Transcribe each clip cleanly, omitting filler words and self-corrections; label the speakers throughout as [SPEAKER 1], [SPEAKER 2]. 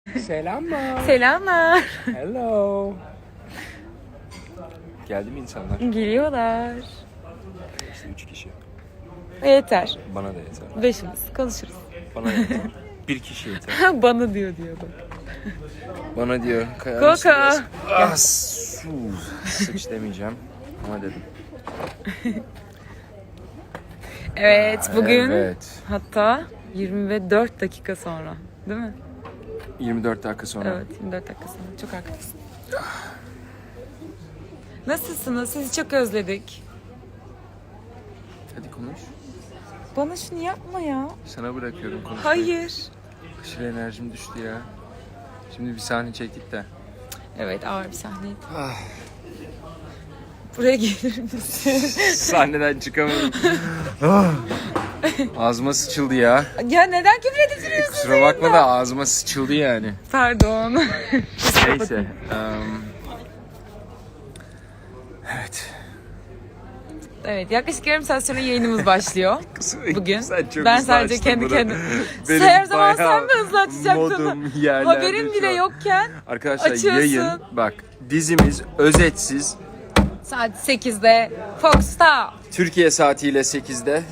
[SPEAKER 1] Selamlar.
[SPEAKER 2] Selamlar.
[SPEAKER 1] Hello. Geldi mi insanlar?
[SPEAKER 2] Geliyorlar.
[SPEAKER 1] İşte 3 kişi.
[SPEAKER 2] Yeter.
[SPEAKER 1] Bana da yeter.
[SPEAKER 2] Beşimiz konuşuruz.
[SPEAKER 1] Bana da yeter. Bir kişi yeter.
[SPEAKER 2] Bana diyordu.
[SPEAKER 1] Bana diyor.
[SPEAKER 2] Koko.
[SPEAKER 1] Sıç demeyeceğim. Ama dedim.
[SPEAKER 2] Evet bugün
[SPEAKER 1] Evet.
[SPEAKER 2] hatta 24 dakika sonra değil mi?
[SPEAKER 1] 24 dakika sonra.
[SPEAKER 2] Evet 24 dakika sonra. Çok haklısın. Nasılsınız? Sizi çok özledik.
[SPEAKER 1] Hadi konuş.
[SPEAKER 2] Bana şunu yapma ya.
[SPEAKER 1] Sana bırakıyorum konuşmayı.
[SPEAKER 2] Hayır.
[SPEAKER 1] Aşırı enerjim düştü ya. Şimdi bir sahne çektik de.
[SPEAKER 2] Evet ağır bir sahneydi. Buraya gelir misin?
[SPEAKER 1] Sahneden çıkamadım. Ağzıma sıçıldı ya.
[SPEAKER 2] Ya neden küfür ediliyorsun?
[SPEAKER 1] Kusura bakma da ağzıma sıçıldı yani.
[SPEAKER 2] Pardon.
[SPEAKER 1] Neyse. Evet.
[SPEAKER 2] Evet yaklaşık yarım saat sonra yayınımız başlıyor. Bugün.
[SPEAKER 1] Sen çok
[SPEAKER 2] Ben
[SPEAKER 1] hızlı
[SPEAKER 2] sadece
[SPEAKER 1] açtın
[SPEAKER 2] kendi
[SPEAKER 1] bunu.
[SPEAKER 2] kendime.
[SPEAKER 1] Benim
[SPEAKER 2] Her zaman
[SPEAKER 1] bayağı
[SPEAKER 2] sen mi hızlı açacaktın?
[SPEAKER 1] modum yerlerde
[SPEAKER 2] Haberin
[SPEAKER 1] şu
[SPEAKER 2] bile
[SPEAKER 1] an.
[SPEAKER 2] yokken
[SPEAKER 1] Arkadaşlar
[SPEAKER 2] açıyorsun.
[SPEAKER 1] yayın bak dizimiz özetsiz
[SPEAKER 2] Saat 8'de Fox'ta.
[SPEAKER 1] Türkiye saatiyle 8'de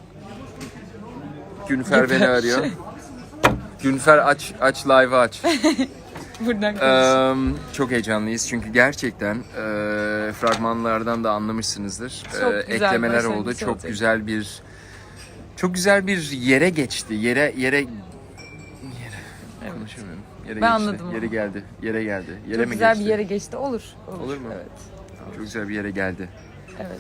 [SPEAKER 1] Günfer beni arıyor. Günfer aç live'ı aç.
[SPEAKER 2] Buradan konuş.
[SPEAKER 1] Çok heyecanlıyız çünkü gerçekten fragmanlardan da anlamışsınızdır.
[SPEAKER 2] Çok güzel
[SPEAKER 1] Eklemeler
[SPEAKER 2] başlangıç
[SPEAKER 1] oldu. Çok
[SPEAKER 2] olacak.
[SPEAKER 1] güzel bir yere geçti. Yere konuşamıyorum. Yere
[SPEAKER 2] Ben
[SPEAKER 1] geçti.
[SPEAKER 2] anladım
[SPEAKER 1] Yere
[SPEAKER 2] ama.
[SPEAKER 1] geldi. Yere geldi. Yere
[SPEAKER 2] Çok
[SPEAKER 1] mi
[SPEAKER 2] güzel
[SPEAKER 1] geçti?
[SPEAKER 2] bir yere geçti. Olur.
[SPEAKER 1] Olur mu?
[SPEAKER 2] Evet.
[SPEAKER 1] Çok güzel bir yere geldi.
[SPEAKER 2] Evet.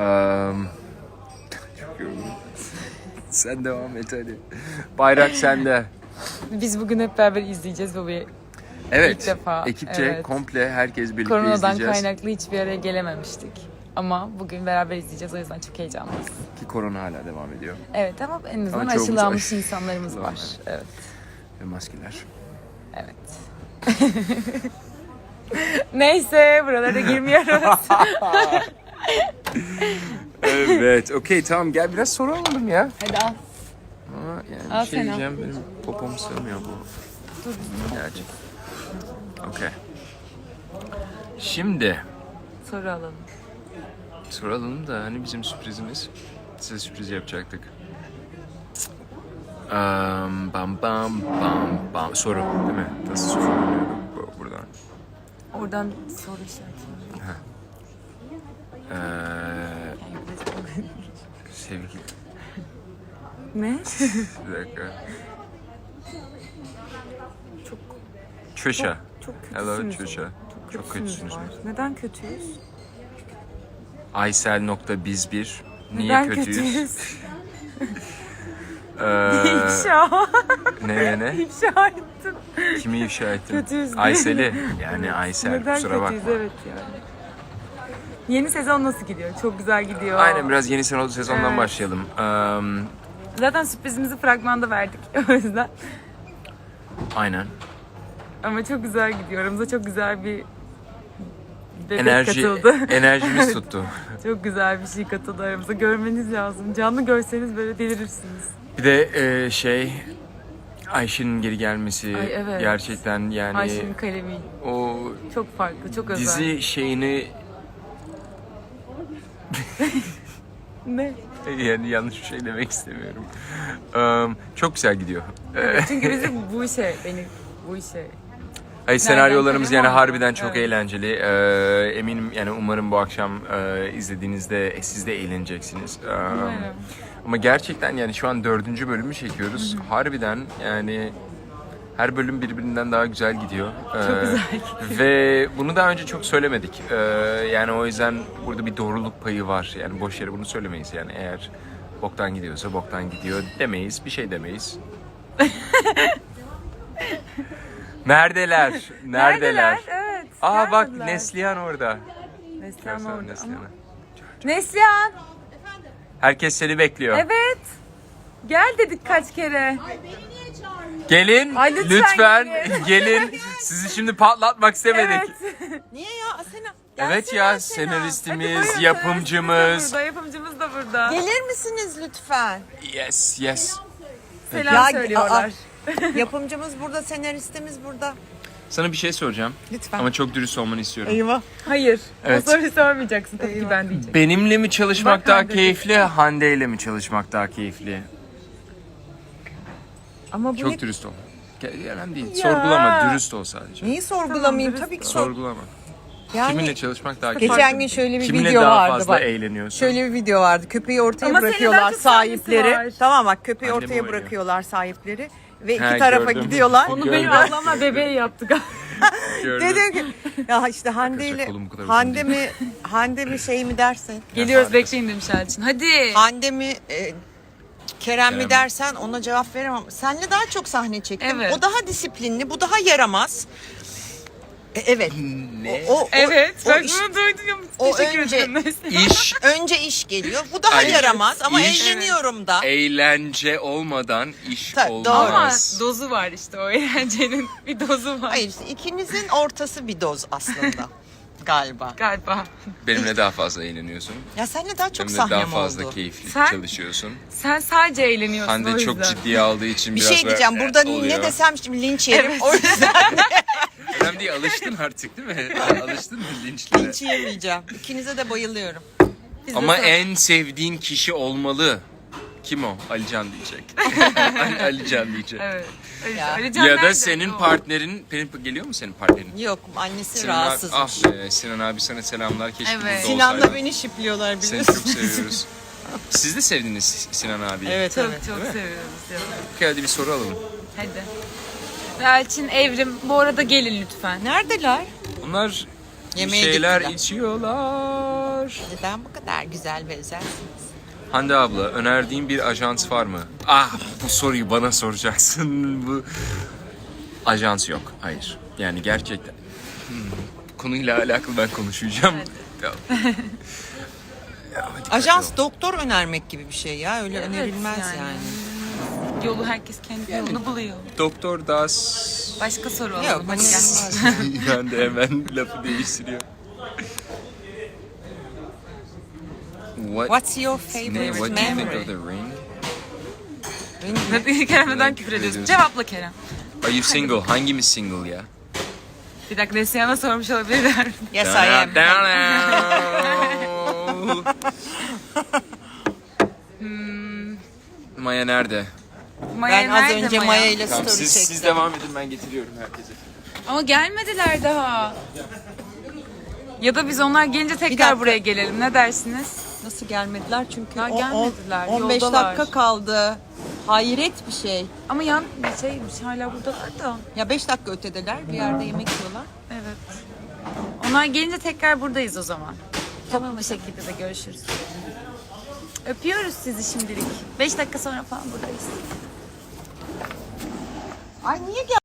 [SPEAKER 1] Çok yoruldum. Sen devam et hadi. Bayrak sende.
[SPEAKER 2] Biz bugün hep beraber izleyeceğiz bu
[SPEAKER 1] Evet.
[SPEAKER 2] İlk defa,
[SPEAKER 1] Ekipçe
[SPEAKER 2] evet.
[SPEAKER 1] komple herkes birlikte
[SPEAKER 2] Koronadan
[SPEAKER 1] izleyeceğiz.
[SPEAKER 2] kaynaklı hiçbir araya gelememiştik. Ama bugün beraber izleyeceğiz. O yüzden çok heyecanlıyız.
[SPEAKER 1] Ki korona hala devam ediyor.
[SPEAKER 2] Evet ama en azından
[SPEAKER 1] Ama çoğumuz
[SPEAKER 2] aşılanmış insanlarımız var. Evet.
[SPEAKER 1] Ve maskeler.
[SPEAKER 2] Evet. Neyse buralara girmiyoruz.
[SPEAKER 1] Evet. Okey tamam gel biraz soru alalım ya.
[SPEAKER 2] Hadi al.
[SPEAKER 1] Ama yani
[SPEAKER 2] Al
[SPEAKER 1] bir şey
[SPEAKER 2] sen al.
[SPEAKER 1] diyeceğim benim popom sığmıyor bu.
[SPEAKER 2] Dur.
[SPEAKER 1] Gerçek. Okey. Şimdi
[SPEAKER 2] Soru alalım.
[SPEAKER 1] soralım da hani bizim sürprizimiz. Size sürpriz yapacaktık. Bam bam bam bam. Soru değil mi? Nasıl soru oluyordu buradan?
[SPEAKER 2] Oradan soru işareti.
[SPEAKER 1] Sevgili.
[SPEAKER 2] Ne?
[SPEAKER 1] Bir dakika.
[SPEAKER 2] Çok
[SPEAKER 1] Trisha.
[SPEAKER 2] çok
[SPEAKER 1] Hello
[SPEAKER 2] kötüsünüz.
[SPEAKER 1] Trisha. Çok kötüsünüz.
[SPEAKER 2] var. Neden kötüyüz?
[SPEAKER 1] Aysel.biz1. Niye
[SPEAKER 2] Neden
[SPEAKER 1] kötüyüz?
[SPEAKER 2] İfşa.
[SPEAKER 1] Ne?
[SPEAKER 2] İfşa ettim.
[SPEAKER 1] Kimi ifşa ettin?
[SPEAKER 2] Kötüyüz diye.
[SPEAKER 1] Aysel'i. Yani Aysel
[SPEAKER 2] Neden
[SPEAKER 1] kusura
[SPEAKER 2] kötüyüz?
[SPEAKER 1] bakma.
[SPEAKER 2] Evet yani. Yeni sezon nasıl gidiyor? Çok güzel gidiyor.
[SPEAKER 1] Aynen biraz yeni sezondan
[SPEAKER 2] Evet.
[SPEAKER 1] başlayalım.
[SPEAKER 2] Zaten sürprizimizi fragmanda verdik o yüzden.
[SPEAKER 1] Aynen.
[SPEAKER 2] Ama çok güzel gidiyor. Aramıza çok güzel bir bebek katıldı.
[SPEAKER 1] Enerjimiz tuttu.
[SPEAKER 2] Çok güzel bir şey katıldı aramıza. Görmeniz lazım. Canlı görseniz böyle delirirsiniz.
[SPEAKER 1] Bir de Ayşe'nin geri gelmesi
[SPEAKER 2] Ay, evet.
[SPEAKER 1] gerçekten yani
[SPEAKER 2] Ayşe'nin kalemi
[SPEAKER 1] o
[SPEAKER 2] çok farklı, çok özel.
[SPEAKER 1] dizi şeyini
[SPEAKER 2] Ne?
[SPEAKER 1] yani yanlış bir şey demek istemiyorum. Çok güzel gidiyor.
[SPEAKER 2] Çünkü bizim bu işe, bu işe.
[SPEAKER 1] Hayır, senaryolarımız yani
[SPEAKER 2] kalem aldı.
[SPEAKER 1] harbiden çok
[SPEAKER 2] Evet.
[SPEAKER 1] eğlenceli. Eminim yani umarım bu akşam izlediğinizde siz de eğleneceksiniz.
[SPEAKER 2] Umarım.
[SPEAKER 1] Ama gerçekten yani şu an 4. bölümü çekiyoruz. Harbiden yani her bölüm birbirinden daha güzel gidiyor.
[SPEAKER 2] Çok güzel
[SPEAKER 1] Ve bunu daha önce çok söylemedik. Yani o yüzden burada bir doğruluk payı var. Yani boş yere bunu söylemeyiz. Yani eğer boktan gidiyorsa boktan gidiyor demeyiz. Bir şey demeyiz. Neredeler? Neredeler?
[SPEAKER 2] Evet.
[SPEAKER 1] Aa bak
[SPEAKER 2] gelmediler.
[SPEAKER 1] Neslihan orada.
[SPEAKER 2] Neslihan
[SPEAKER 1] Görsene
[SPEAKER 2] orada.
[SPEAKER 1] Neslihan'ı.
[SPEAKER 2] Neslihan!
[SPEAKER 1] Herkes seni bekliyor.
[SPEAKER 2] Evet. Gel dedik kaç kere.
[SPEAKER 1] Gelin
[SPEAKER 2] Ay, lütfen
[SPEAKER 1] lütfen
[SPEAKER 2] gelin.
[SPEAKER 1] gelin. Sizi şimdi patlatmak istemedik.
[SPEAKER 2] Evet.
[SPEAKER 3] Niye ya Asena?
[SPEAKER 1] Evet
[SPEAKER 3] Gelsene
[SPEAKER 1] ya
[SPEAKER 3] Asena.
[SPEAKER 2] Hadi
[SPEAKER 1] senaristimiz,
[SPEAKER 2] buyurun,
[SPEAKER 1] yapımcımız.
[SPEAKER 2] Yapımcımız da burada.
[SPEAKER 3] Gelir misiniz lütfen?
[SPEAKER 1] Yes, yes.
[SPEAKER 2] Selam
[SPEAKER 3] Ya,
[SPEAKER 2] söylüyorlar.
[SPEAKER 3] Yapımcımız burada, senaristimiz burada.
[SPEAKER 1] Sana bir şey soracağım.
[SPEAKER 3] Lütfen.
[SPEAKER 1] ama çok dürüst olmanı istiyorum.
[SPEAKER 3] Eyvah.
[SPEAKER 2] Hayır.
[SPEAKER 1] Evet.
[SPEAKER 2] O soruyu sormayacaksın. Tabii ki ben diyeceğim.
[SPEAKER 1] Benimle mi çalışmak
[SPEAKER 2] Bak
[SPEAKER 1] daha
[SPEAKER 2] Hande
[SPEAKER 1] keyifli, Hande ile mi çalışmak daha keyifli?
[SPEAKER 2] Ama bu
[SPEAKER 1] Çok dürüst ol. Önemli değil. Sorgulama, dürüst ol sadece.
[SPEAKER 3] Neyi sorgulamayayım?
[SPEAKER 2] Tamam,
[SPEAKER 3] Tabii ki
[SPEAKER 1] Sorgulama.
[SPEAKER 3] Yani
[SPEAKER 1] Kiminle çalışmak daha keyifli?
[SPEAKER 3] geçen gün şöyle bir
[SPEAKER 1] Kiminle
[SPEAKER 3] video
[SPEAKER 1] daha
[SPEAKER 3] vardı
[SPEAKER 1] fazla
[SPEAKER 3] bak.
[SPEAKER 1] eğleniyorsun?
[SPEAKER 3] Şöyle bir video vardı. Köpeği ortaya
[SPEAKER 2] Ama senin daha
[SPEAKER 3] bırakıyorlar
[SPEAKER 2] çok sahnesi
[SPEAKER 3] sahipleri.
[SPEAKER 2] var.
[SPEAKER 3] Tamam bak, köpeği
[SPEAKER 1] Annem
[SPEAKER 3] ortaya
[SPEAKER 1] oynuyor.
[SPEAKER 3] bırakıyorlar sahipleri ve iki
[SPEAKER 1] Ha,
[SPEAKER 3] tarafa
[SPEAKER 1] gördüm.
[SPEAKER 3] gidiyorlar.
[SPEAKER 2] Onu
[SPEAKER 1] Gördüm.
[SPEAKER 2] benim ablamla bebeği yaptık.
[SPEAKER 1] Gördüm.
[SPEAKER 3] Dedim ki ya işte Hande
[SPEAKER 1] Arkadaşlar,
[SPEAKER 3] ile
[SPEAKER 1] kolum bu kadar uzun
[SPEAKER 3] Hande mi şey mi dersin?
[SPEAKER 2] Geliyoruz bekleyin demiş Elçin. Hadi.
[SPEAKER 3] Hande mi Kerem mi
[SPEAKER 1] Kerem.
[SPEAKER 3] dersen ona cevap veremem. Senle daha çok sahne çektim.
[SPEAKER 2] Evet.
[SPEAKER 3] O daha disiplinli, bu daha yaramaz. Evet.
[SPEAKER 1] Ne?
[SPEAKER 2] Evet.
[SPEAKER 3] o
[SPEAKER 2] Ben
[SPEAKER 3] iş-
[SPEAKER 2] bunu duydum.
[SPEAKER 3] o
[SPEAKER 2] Teşekkür
[SPEAKER 3] önce-
[SPEAKER 2] ederim. Neyse.
[SPEAKER 1] İş,
[SPEAKER 3] Önce iş geliyor. Bu daha
[SPEAKER 1] Ay,
[SPEAKER 3] yaramaz ama
[SPEAKER 1] iş-
[SPEAKER 3] eğleniyorum da.
[SPEAKER 1] eğlence olmadan iş
[SPEAKER 3] Doğru.
[SPEAKER 2] Ama
[SPEAKER 1] olmaz.
[SPEAKER 2] dozu var işte o eğlencenin bir dozu var.
[SPEAKER 3] Hayır, işte ikinizin ortası bir doz aslında galiba.
[SPEAKER 2] Galiba.
[SPEAKER 1] Benimle daha fazla eğleniyorsun.
[SPEAKER 3] Ya seninle daha çok
[SPEAKER 1] Benimle daha
[SPEAKER 3] sahnem
[SPEAKER 1] fazla
[SPEAKER 3] oldu.
[SPEAKER 1] keyifli
[SPEAKER 2] Sen-
[SPEAKER 1] çalışıyorsun.
[SPEAKER 2] Sen sadece eğleniyorsun o
[SPEAKER 1] Hande
[SPEAKER 2] yüzden.
[SPEAKER 1] çok ciddiye aldığı için
[SPEAKER 3] Bir
[SPEAKER 1] biraz
[SPEAKER 3] şey diyeceğim.
[SPEAKER 1] böyle,
[SPEAKER 3] Burada
[SPEAKER 1] oluyor.
[SPEAKER 3] ne desem şimdi linç yerim.
[SPEAKER 2] Evet.
[SPEAKER 3] O yüzden
[SPEAKER 1] Önemli değil, alıştın artık değil mi? Alıştın mı linçlere?
[SPEAKER 3] linç yemeyeceğim. İkinize de bayılıyorum.
[SPEAKER 1] Ama en sevdiğin kişi olmalı. Kim o? Alican diyecek. Alican diyecek.
[SPEAKER 2] Evet.
[SPEAKER 3] Ya.
[SPEAKER 2] Alican
[SPEAKER 1] Ya da
[SPEAKER 2] nerede?
[SPEAKER 1] senin
[SPEAKER 2] O.
[SPEAKER 1] partnerin, geliyor mu senin partnerin?
[SPEAKER 3] Yok, annesi
[SPEAKER 1] Sinan abi,
[SPEAKER 3] rahatsızmış.
[SPEAKER 1] ah be, Sinan abi sana selamlar. Keşke
[SPEAKER 2] Evet.
[SPEAKER 1] burada
[SPEAKER 3] Sinan'la
[SPEAKER 1] olsaydın.
[SPEAKER 3] beni şipliyorlar
[SPEAKER 1] Seni
[SPEAKER 3] biliyorsun.
[SPEAKER 1] çok seviyoruz. Siz de sevdiniz Sinan abi.
[SPEAKER 3] Evet,
[SPEAKER 2] Çok
[SPEAKER 3] evet.
[SPEAKER 2] çok
[SPEAKER 1] Değil mi?
[SPEAKER 2] seviyoruz.
[SPEAKER 1] Hadi bir soru alalım.
[SPEAKER 2] Hadi. Elçin, Evrim bu arada gelin lütfen.
[SPEAKER 3] Neredeler?
[SPEAKER 1] Onlar
[SPEAKER 3] Yemeğe
[SPEAKER 1] şeyler
[SPEAKER 3] gittiler.
[SPEAKER 1] içiyorlar.
[SPEAKER 3] Neden bu kadar güzel ve özelsiniz?
[SPEAKER 1] Hande abla, önerdiğin bir ajans var mı? Ah, bu soruyu bana soracaksın. Bu ajans yok. Hayır. Yani gerçekten. Konuyla alakalı ben konuşacağım. Tamam. Ya, hadi
[SPEAKER 3] Ajans
[SPEAKER 1] bakalım.
[SPEAKER 3] doktor önermek gibi bir şey ya. Öyle önerilmez yani.
[SPEAKER 2] Yolu herkes kendi yolunu buluyor.
[SPEAKER 1] Doktor Das.
[SPEAKER 2] Başka soru
[SPEAKER 3] Yok,
[SPEAKER 2] alalım. Hadi gel.
[SPEAKER 3] önerilmez.
[SPEAKER 1] Ben de hemen lafı değiştiriyor.
[SPEAKER 3] What's your
[SPEAKER 1] Ne,
[SPEAKER 3] favorite
[SPEAKER 1] what do you think
[SPEAKER 3] memory?
[SPEAKER 1] of the ring?
[SPEAKER 2] Hadi Kerem neden küfür
[SPEAKER 1] Küfür
[SPEAKER 2] ediyorsun?
[SPEAKER 1] ediyorsun.
[SPEAKER 2] Cevapla Kerem.
[SPEAKER 1] Are you single? Hangimiz single ya?
[SPEAKER 2] Bir dakika Neslihan'a sormuş olabilirler.
[SPEAKER 3] Yes, I am.
[SPEAKER 1] Maya nerede?
[SPEAKER 2] Maya
[SPEAKER 3] Ben az
[SPEAKER 2] nerede
[SPEAKER 3] önce
[SPEAKER 2] Maya?
[SPEAKER 3] Maya ile
[SPEAKER 1] Tamam,
[SPEAKER 3] story
[SPEAKER 1] siz
[SPEAKER 3] çektim.
[SPEAKER 1] devam edin, ben getiriyorum herkese.
[SPEAKER 2] Ama gelmediler daha. Ya da biz onlar gelince
[SPEAKER 3] dakika.
[SPEAKER 2] tekrar buraya gelelim. Ne dersiniz?
[SPEAKER 3] Nasıl gelmediler? Çünkü
[SPEAKER 2] Daha gelmediler,
[SPEAKER 3] 15
[SPEAKER 2] yoldalar.
[SPEAKER 3] dakika kaldı. Hayret bir şey.
[SPEAKER 2] Ama yan bir şeymiş hala buradalar da.
[SPEAKER 3] Ya 5 dakika ötedeler. Bir yerde yemek yiyorlar.
[SPEAKER 2] Evet. Onlar gelince tekrar buradayız o zaman. Tamam, bu şekilde de görüşürüz. Öpüyoruz sizi şimdilik. 5 dakika sonra falan buradayız.
[SPEAKER 3] Ay niye